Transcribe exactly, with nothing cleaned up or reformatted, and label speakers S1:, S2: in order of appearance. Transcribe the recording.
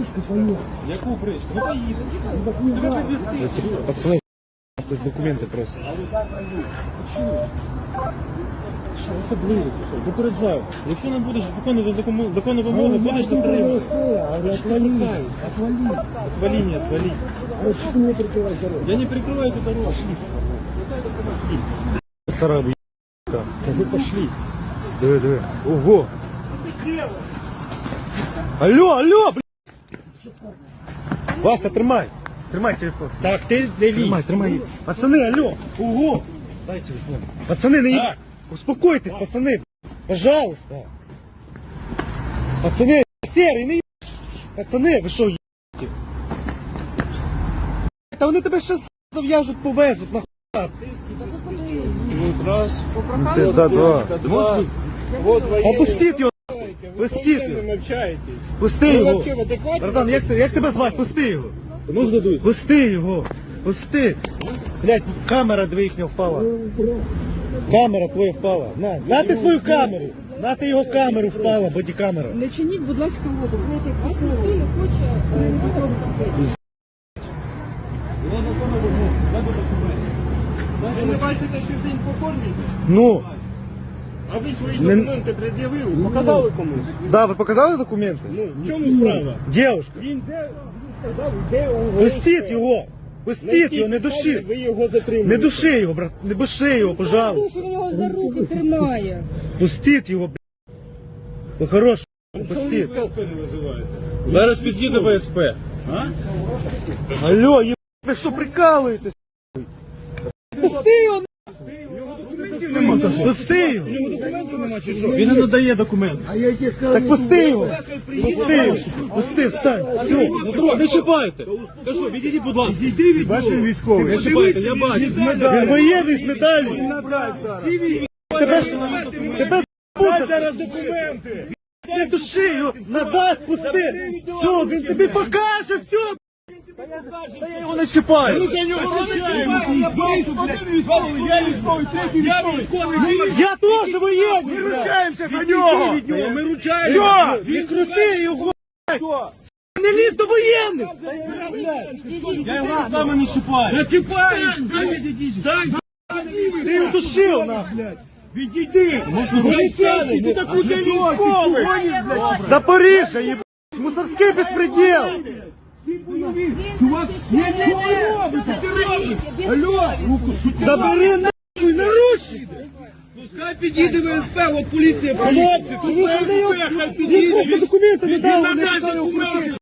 S1: бричку поїхали.
S2: Яку бричку? Ну поїдемо.
S1: Пацани, документи просять.
S2: Що особливо? Запереджаю. Якщо не будеш виконувати законну, законну вимогу, будеш затримати.
S1: Отвали, отвали.
S2: Отвали, не отвали.
S1: А что ты мне прикрываешь дорогу?
S2: Я не прикрываю эту дорогу.
S1: Сарабу, да вы пошли. Давай, давай. Ого. Алло, алло, блядь. Вася, тримай. Тримай телефон.
S2: Так, ти не лізь.
S1: Тримай, тримай. Пацаны, алло. Ого. Дай телефон. Пацаны, не...
S2: Так.
S1: Успокойтесь, пацаны. Пожалуйста. Пацаны, серый, не... Пацаны, ви що, ебаете? Та вони тебе ще зав'яжуть, повезуть, нахуй.
S3: Раз.
S1: Да, да.
S3: Два. Вот военные.
S1: Опустіть його. Пустіть
S3: Вы
S1: його.
S3: общаетесь.
S1: Пусти
S3: Ви
S1: його.
S3: вообще в адекваті?
S1: Братан, як, ти- як тебе звати? Пусти його. Можна дуй? Пусти його. Пусти. Блять, камера дві їхня впала. Камера твоя впала. На, на ти свою камеру. На ти його камеру впала, бодікамера.
S4: Не чиніть, будь ласка, опір. Вас ніхто не хоче е, виходити.
S3: Ви не бачите, що він по формі йде?
S1: Ну,
S3: А ви свої
S1: Не-
S3: документи пред'явили, показали комусь?
S1: да, ви показали документи?
S3: Ну, в чому справа?
S1: Дівушка,
S3: Він де, він сказав, де у
S1: пустіть його. Пустіть його, не души.
S3: Ви його затримали.
S1: Не души його, брат, не души його, пожалуйста.
S4: Що він його за руки тримає.
S1: Пустіть його, блядь. Ну хорош, пустіть.
S2: Зараз під'їде ВСП.
S1: Алло, еб... ви що прикалуєтесь? Пусти його, пусти його.
S2: Він не надає документи.
S1: А я тебе сказав, так пусти його. Пусти його. Пусти, встань. Все.
S2: Ну, не чіпайте. Кажу, відійдіть, будь ласка. Відійди від нього.
S1: Бачив військовий.
S2: Не чіпайте, я бачу.
S1: Він воєнний з медаллю. Тебе ж, тебе з***уть зараз документи. Не души його, надасть, пусти. Все, він тобі покаже, все. Та я його не чіпаю.
S2: За нього ручаємо. Один військовий, я військовий, третій військовий.
S1: Я теж воєнний.
S2: Ми ручаємося за нього. Ми ручаємося.
S1: Все, відкрути його. Не лізь до воєнних.
S2: Я його руками не чіпаю. Не чіпаю. Стань.
S1: Ти його душив, нахуй.
S2: Відійди. Поліцейський, ти так уже військовий.
S1: Запоріжжя, ебать, мусорський безпреділ.
S2: Чувак, не робиться, ти робиш. Алло, руку сюди.
S1: Забери нахуй наручники.
S2: Пускай підійде ВСП, от поліція. Хлопці, тут ВСП, хай підійде.
S1: Документи не
S2: Він
S1: дали, не
S2: надасть
S1: писали
S2: документи.